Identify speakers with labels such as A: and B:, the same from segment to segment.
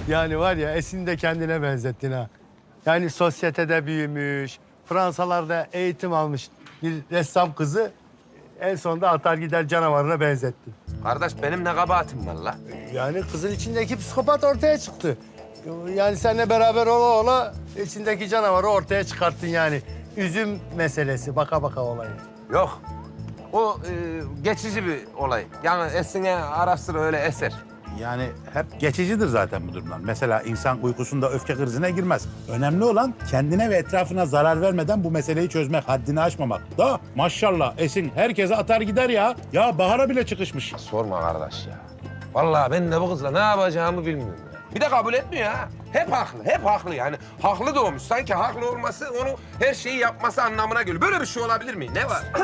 A: Yani var ya Esin'i de kendine benzettin ha. Yani sosyetede büyümüş, Fransalarda eğitim almış bir ressam kızı en sonunda atar gider canavarına benzettin.
B: Kardeş benim ne kabahatim var la?
A: Yani kızın içindeki psikopat ortaya çıktı. Yani seninle beraber ola ola içindeki canavarı ortaya çıkarttın yani. Üzüm meselesi, baka baka olayı.
B: Yok. O geçici bir olay. Yani Esin'e ara sıra öyle eser.
C: Yani hep geçicidir zaten bu durumlar. Mesela insan uykusunda öfke krizine girmez. Önemli olan kendine ve etrafına zarar vermeden bu meseleyi çözmek, haddini aşmamak. Da maşallah Esin herkese atar gider ya. Ya Bahar'a bile çıkışmış.
B: Sorma kardeş ya. Vallahi ben de bu kızla ne yapacağımı bilmiyorum ya. Bir de kabul etmiyor ha. Hep haklı, hep haklı yani. Haklı doğmuş. Sanki haklı olması onu her şeyi yapması anlamına geliyor. Böyle bir şey olabilir mi? Ne var?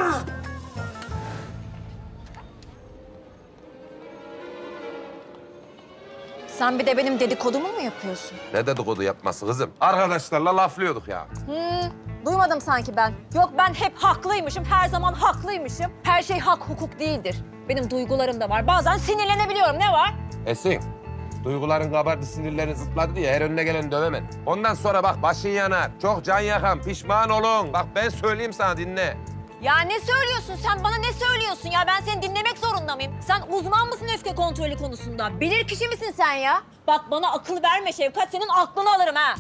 D: Sen bir de benim dedikodumu mu yapıyorsun?
B: Ne dedikodu yapması kızım? Arkadaşlarla laflıyorduk ya.
D: Duymadım sanki ben. Yok ben hep haklıymışım, her zaman haklıymışım. Her şey hak, hukuk değildir. Benim duygularım da var. Bazen sinirlenebiliyorum. Ne var?
B: Esin, duyguların kabardı, sinirlerin zıpladı diye her önüne gelen dövemen. Ondan sonra bak başın yanar, çok can yakan, pişman olun. Bak ben söyleyeyim sana dinle.
D: Ya ne söylüyorsun sen? Bana ne söylüyorsun ya? Ben seni dinlemek zorunda mıyım? Sen uzman mısın öfke kontrolü konusunda? Bilir kişi misin sen ya? Bak bana akıl verme Şevkat. Senin aklını alırım ha.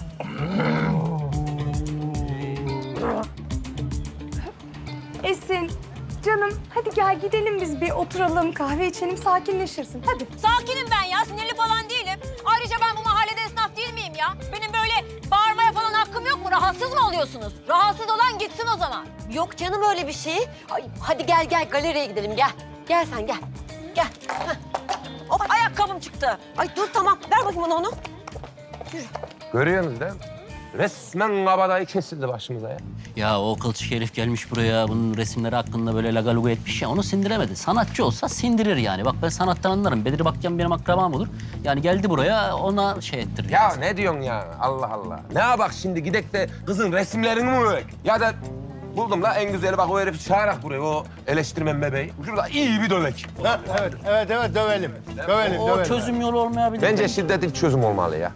E: Esin, canım hadi gel gidelim biz bir oturalım, kahve içelim, sakinleşirsin. Hadi.
D: Sakinim ben ya. Sinirli falan değilim. Ayrıca ben bu mahallede esnaf değil miyim ya? Benim böyle bağırmaya falan hakkım yok mu? Rahatsız mı oluyorsunuz? Rahatsız olan gitsin o zaman.
F: Yok canım öyle bir şey. Ay, hadi gel galeriye gidelim gel. Gel sen gel. Gel. Heh.
D: Hop ayakkabım çıktı.
F: Ay dur tamam ver bakayım bana onu.
B: Görüyorsunuz değil mi? Resmen kabadayı kesildi başımıza ya.
G: Ya o kılçık herif gelmiş buraya, bunun resimleri hakkında böyle lagaluga etmiş ya, onu sindiremedi. Sanatçı olsa sindirir yani. Bak ben sanattan anlarım. Bedri Bakyan benim akrabam olur. Yani geldi buraya, ona şey ettirir.
B: Ya ne diyorsun ya? Allah Allah. Ne yapak şimdi gidek de kızın resimlerini mi övek? Ya da buldum la en güzeli bak o herifi çağırak buraya o eleştirmen bebeği. Şurada iyi bir dövek.
A: Ha, evet dövelim. Dövelim,
G: O
A: dövelim.
G: çözüm yolu olmayabilir.
B: Bence şiddet ilk çözüm olmalı ya.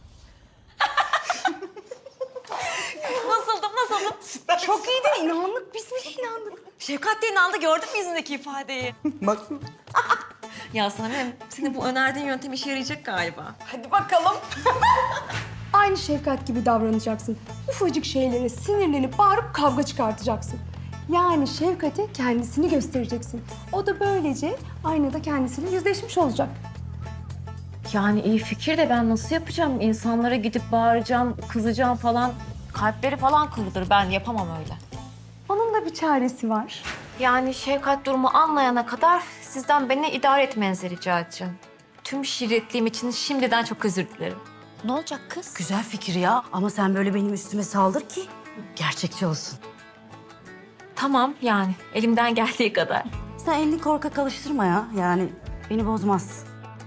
D: Nasıldım?
E: Çok iyiydi, inandık. Biz bile inandık.
D: Şefkat de inandı. Gördün mü yüzündeki ifadeyi?
E: Baksana.
D: Ya Sanem, senin bu önerdiğin yöntem işe yarayacak galiba.
E: Hadi bakalım. Aynı Şefkat gibi davranacaksın. Ufacık şeylere sinirlenip bağırıp kavga çıkartacaksın. Yani Şefkat'e kendisini göstereceksin. O da böylece aynada kendisiyle yüzleşmiş olacak.
H: Yani iyi fikir de ben nasıl yapacağım? İnsanlara gidip bağıracağım, kızacağım falan. Kalpleri falan kırılır. Ben yapamam öyle.
E: Onun da bir çaresi var.
H: Yani Şevkat durumu anlayana kadar sizden beni idare etmenizi rica edeceğim. Tüm şirretliğim için şimdiden çok özür dilerim.
D: Ne olacak kız?
F: Güzel fikir ya ama sen böyle benim üstüme saldır ki gerçekçi olsun.
H: Tamam yani elimden geldiği kadar.
F: Sen elini korkak alıştırma ya yani beni bozmaz.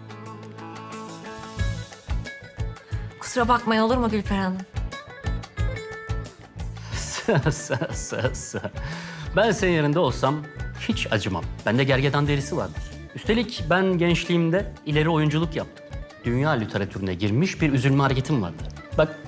H: Kusura bakmayın olur mu Gülper Hanım?
G: Ben senin yerinde olsam hiç acımam. Bende gergedan derisi vardır. Üstelik ben gençliğimde ileri oyunculuk yaptım. Dünya literatürüne girmiş bir üzülme hareketim vardı. Bak.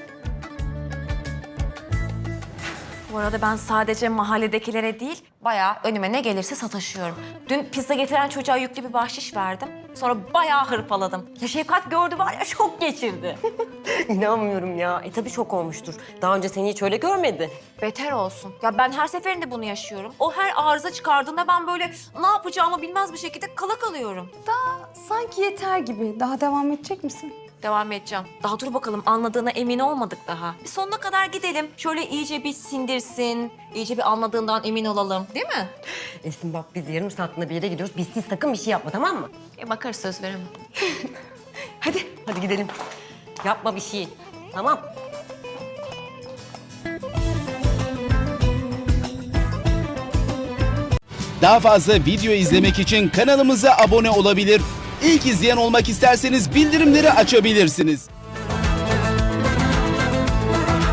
H: Bu arada ben sadece mahalledekilere değil, bayağı önüme ne gelirse sataşıyorum. Dün pizza getiren çocuğa yüklü bir bahşiş verdim. Sonra bayağı hırpaladım. Ya Şefkat gördü var ya şok geçirdi.
F: İnanmıyorum ya. Tabii şok olmuştur. Daha önce seni hiç öyle görmedi.
H: Beter olsun. Ya ben her seferinde bunu yaşıyorum. O her arıza çıkardığında ben böyle ne yapacağımı bilmez bir şekilde kala kalıyorum.
E: Sanki yeter gibi. Daha devam edecek misin?
H: Devam edeceğim. Daha dur bakalım anladığına emin olmadık daha. Bir sonuna kadar gidelim. Şöyle iyice bir sindirsin. İyice bir anladığından emin olalım. Değil mi?
F: Esin bak biz yarım saatinde bir yere gidiyoruz. Biz sakın bir şey yapma tamam mı?
H: Bakarız söz veremem.
F: Hadi gidelim. Yapma bir şey. Tamam.
I: Daha fazla video izlemek için kanalımıza abone olabilir. İlk izleyen olmak isterseniz bildirimleri açabilirsiniz.